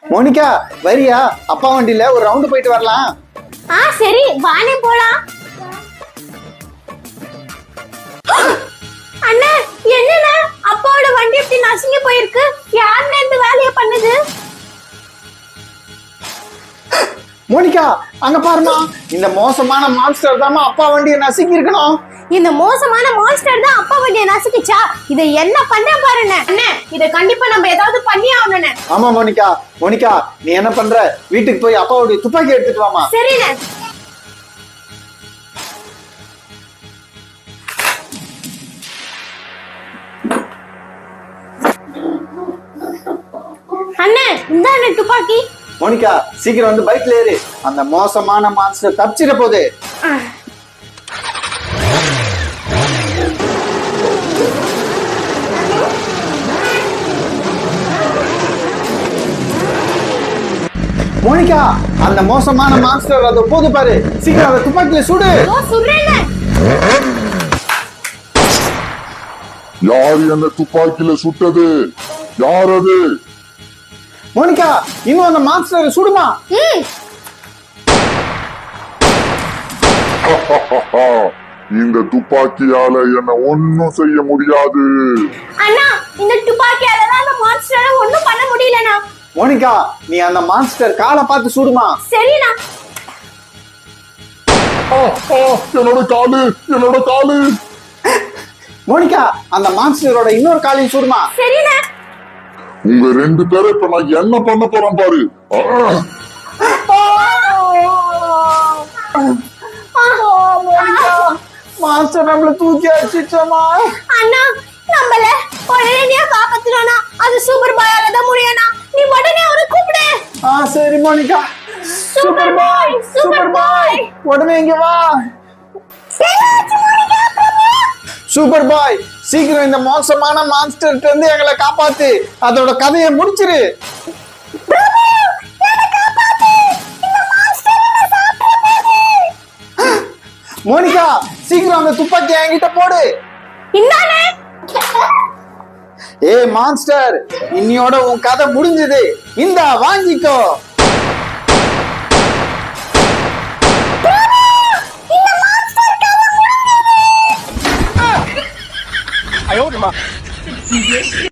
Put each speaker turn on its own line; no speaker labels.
Monica வரியா? அப்பா வண்டியில ஒரு ரவுண்டு போயிட்டு வரலாம்.
சரி வானே போலாம். அண்ணா என்னண்ணா அப்பாவோட வண்டி எப்படி நசுங்கி போயிருக்கு? யாருன்னு இந்த வேலையை பண்ணுது?
மோனிகா அங்க பாருமா, இந்த மோசமான மான்ஸ்டர் தான் அப்பா வண்டியை நசுங்கி இருக்கணும்.
இந்த மோசமான மான்ஸ்டர் தான் அப்பா வண்டியை நசுக்கிச்சா? இதை என்ன பண்ண பாருண்ணே. அண்ணே இதை கண்டிப்பா நம்ம ஏதாவது பண்ணி ஆகணும்ண்ணே.
ஆமா மோனிகா. மோனிகா நீ என்ன பண்ற? வீட்டுக்கு போய் அப்பாவுடைய துப்பாக்கி எடுத்துட்டு வாமா.
சரிண்ணே. அண்ணே இந்தாண்ணே துப்பாக்கி.
மோனிகா சீக்கிரம் வந்து பைக்ல ஏறு. அந்த மோசமான மான்ஸ்டர் தப்பிச்சிட போகுது. மோனிகா அந்த மோசமான மான்ஸ்டர் அது போது பாரு. சீக்கிரம் அந்த துப்பாக்கியில சுடு.
சுடுறேனே.
யார் என்ன துப்பாக்கியில சுட்டது? யார் அது?
மோனிகா இன்னும் அந்த மான்ஸ்டர் சுடுமா.
இந்த துப்பாக்கியால என்ன ஒன்னும் செய்ய முடியாது.
அண்ணா இந்த துப்பாக்கியால தான் அந்த மான்ஸ்டரை ஒண்ணும் பண்ண முடியலண்ணா.
மோனிகா நீ அந்த மான்ஸ்டர் காலை பார்த்து சுடுமா.
சரிண்ணா.
என்னோட காலு, என்னோட காலு.
மோனிகா அந்த மான்ஸ்டரோட இன்னொரு காலையும் சுடுமா.
சரிண்ணா.
உங்க ரெண்டு பேரும் இப்ப நான் என்ன பண்ண போறேன் பாரு.
மான்ஸ்டர் நம்மள தூக்கி அடிச்சிச்சோமா.
அண்ணா நம்மள உடனே காப்பாத்தணும்னா அது சூப்பர் பாயால தான் முடியும்னா. நீ உடனே அவரை கூப்பிடு.
சரி Monica.
Super boy, super boy
உடனே இங்க வா. சூப்பர் பாய் சீக்கிரம் இந்த மோசமான மான்ஸ்டர்ட்ட இருந்து எங்களை காப்பாத்து. அதோட கதையை முடிச்சிரு. மோனிகா சீக்கிரம் அந்த துப்பாக்கி என்கிட்ட போடு.
இந்தானே.
ஏ மான்ஸ்டர் இன்னியோட உன் கதை முடிஞ்சது. இந்தா வாங்கிக்கோ.
இந்த மான்ஸ்டர் கதை முடிஞ்சது.